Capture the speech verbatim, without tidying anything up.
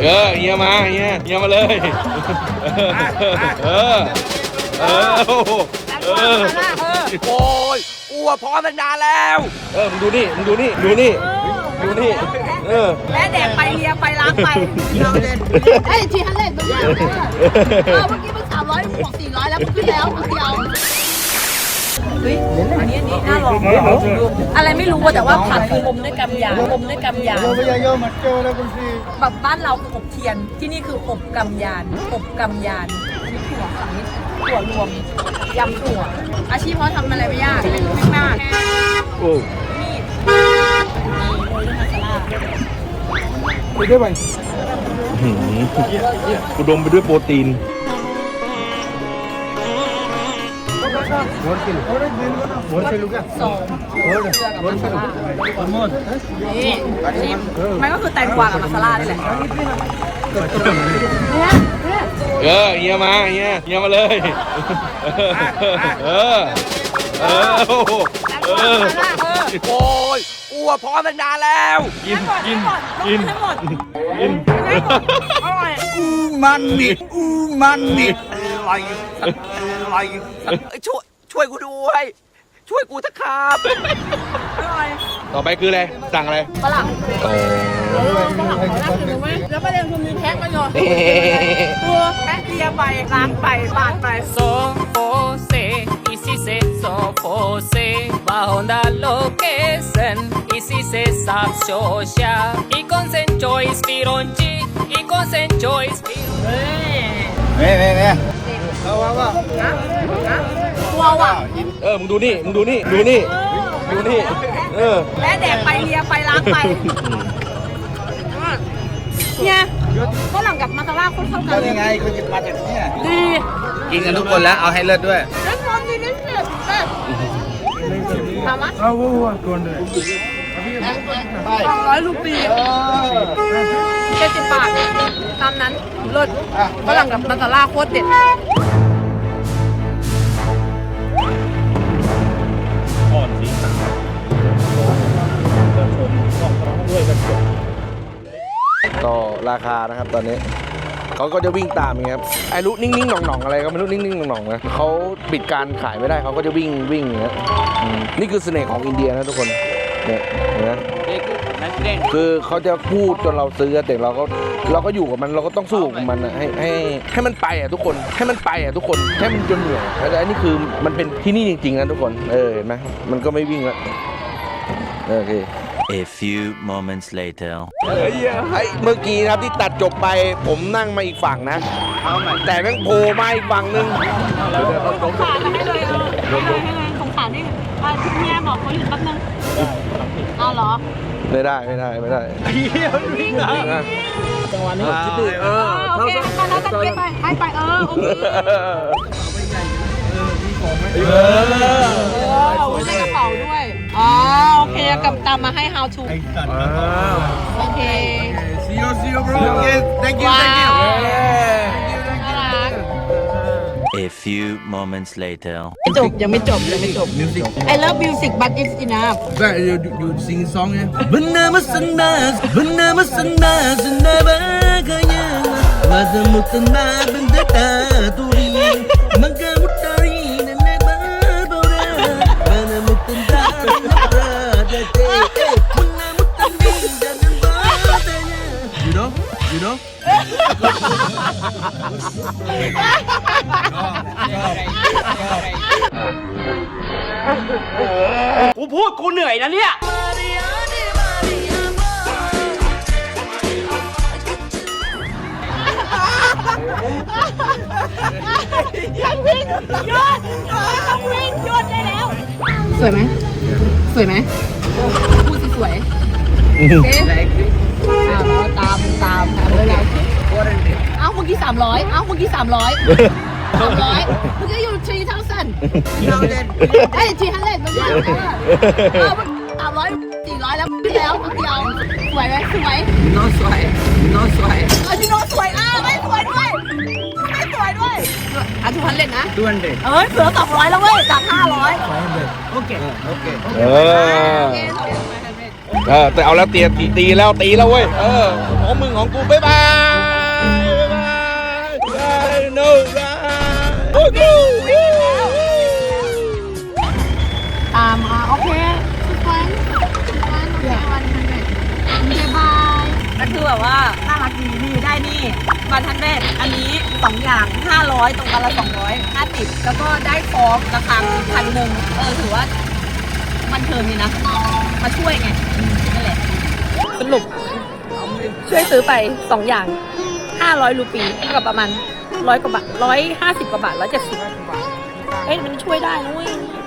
เออเฮียมาเฮียเฮียมาเลยเออเออเออโอ้ยอ้วพร้อมตั้งนานแล้วเออมึงดูนี่มึงดูนี่ดูนี่ดูนี่เออแม่แดกไปเลียไปล้างไปไอ้ทีฮันเล่นมันยากเออเมื่อกี้มันสามร้อยบวกสี่ร้อยแล้วมันขึ้นแล้วคนเดียวเฮ้ยอันนี้อันนี้น่าลองอะไรไม่รู้แต่ว่าผัดคือลมด้วยกำยานลมด้วยกำยานแบบบ้านเราคืออบเทียนที่นี่คืออบกำยานอบกำยานอันนี้ถั่วฝั่งนี้ถั่วรวมยำถั่วอาชีพเขาทำอะไรไม่ยากไม่มากโอ้มีดโรยด้วยมาซาล่าไปด้วยไปอุดมไปด้วยโปรตีนสองเกลือกับมาซาล่านี่ชิมมันก็คือแตงกวากับมาซาล่านี่แหละเออเฮียมาเฮียเฮียมาเลยเออเออเออโอ้ยอ้วพร้อมตั้งนานแล้วกินกินกินกินอร่อยอูมันนี่อูมันนี่อะไรอะไรช่วยช่วยกูด้วยช่วยกูเถอะครับต่อไปคืออะไรสั่งอะไรฝรั่งโอ้ฝรั่งฝรั่งคือไหมแล้วประเด็นคือมีแพ็คมาอยู่ตัวแพ็คเลียไปล้างไปปาดไปโซโฟเซอีซีเซโซโฟเซบาฮอนดาโลเคเซนอีซีเซซับโชชาอีคอนเซนจอยสปิรอนจีอีคอนเซนจอยสปิรอนเม่เม่เม่เอาว่าว่าตัวว่ะเออมึงดูนี่มึงดูนี่ดูนี่ดูนี่เออแม่แดกไปเลียไปล้างไปเนี่ยฝรั่งกับมาซาล่าคนเข้ากันยังไงเขาจะมาจากนี่ดีกินกันทุกคนแล้วเอาให้เลิศด้วยเลิศร้อนดีนี่เลิศทำมั้ยสองร้อยรูปีเจ็ดสิบบาทตามนั้นเลิศฝรั่งกับมาซาล่าโคตรเด็ดต่อราคานะครับตอนนี้เขาก็จะวิ่งตามอย่างเงี้ยครับไอ้รู้นิ่งๆหน่องๆอะไรก็ไม่รู้นิ่งๆหน่องๆนะเขาปิดการขายไม่ได้เขาก็จะวิ่งวิ่งอย่างเงี้ยนี่คือเสน่ห์ของอินเดียนะทุกคนเนี่ยเห็นไหมคือเขาจะพูดจนเราซื้อแต่เราก็เราก็อยู่กับมันเราก็ต้องสู้กับมันนะให้ให้ให้มันไปอ่ะทุกคนให้มันไปอ่ะทุกคนให้มันจนเหนื่อยแต่อันนี้คือมันเป็นที่นี่จริงๆนะทุกคนเออเห็นไหมมันก็ไม่วิ่งแล้วโอเค A few moments later ไอ้เมื่อกี้นะครับที่ตัดจบไปผมนั่งมาอีกฝั่งนะแต่แม่งโผล่มาอีกฝั่งนึงสงสารให้เลยเออให้เลยให้เลยสงสารนี่คุณแม่บอกเขาหยุดแป๊บนึงเอาเหรอไม่ได้ไม่ได้ไม่ได้เฮียวิ่งเหรอจังหวะนี้คิดดิเออโอเคไปแล้วตะเกียบไปให้ไปเออโอเคเออเราได้กระเป๋าด้วยอ๋อโอเคกับตามมาให้ how to โอเค see you see you bro thank you thank you A few moments later จบยังไม่จบยังไม่จบ music I love music but it's enough that you you sing song ya Bernama Senas Bernama Senas Senaba kaya Mazamutan na bendeta turi Magamutari na nababora Manamutan na nabrada te Manamutan din jangan badanya You know? You know? กูพูดกูเหนื่อยนะเนี่ยยังวิ่งหยุดต้องวิ่งหยุดได้แล้วสวยไหมสวยไหมพูดสิสวยเอ๊ะตามตามตามเลยไงเอ้าเมื่อกี้สามร้อยเอ้าเมื่อกี้สามร้อยสามร้อยเมื่อกี้อยู่ทรีเท่าสั้นเอ้ยทรีฮันเล่นมันยากเออสามร้อยสี่ร้อยแล้วขึ้นแล้วเดียวสวยไหมสวยโน้สวยโน้สวยเออที่โน้สวยอ่ะไม่สวยด้วยไม่สวยด้วยอ่ะทุกคนเล่นนะทุกคนเล่นเอ้ยเสือสองร้อยแล้วเว้ยจากห้าร้อยโอเคโอเคเออเออแต่เอาแล้วเตียตีตีแล้วตีแล้วเว้ยเออของมึงของกูบ๊ายบายบ๊ายบายบายโน่บายโอ้โหอ่ามาโอเคทุกคนทุกคนโอเควันทันเด็ดโอเคบายก็คือแบบว่าน่ารักดีนี่ได้นี่วันทันเด็ดอันนี้สองอย่างห้าร้อยตรงกันละสองร้อยห้าสิบแล้วก็ได้ฟอร์มราคาพันหนึ่งเออถือว่ามันเทิมดีนะมาช่วยไงนั่นแหละสรุปช่วยซื้อไปสองอย่างห้าร้อยรูปีเท่ากับประมาณร้อยกว่าบาทร้อยห้าสิบกว่าบาทร้อยเจ็ดสิบเอ้ยมันช่วยได้นะเว้ย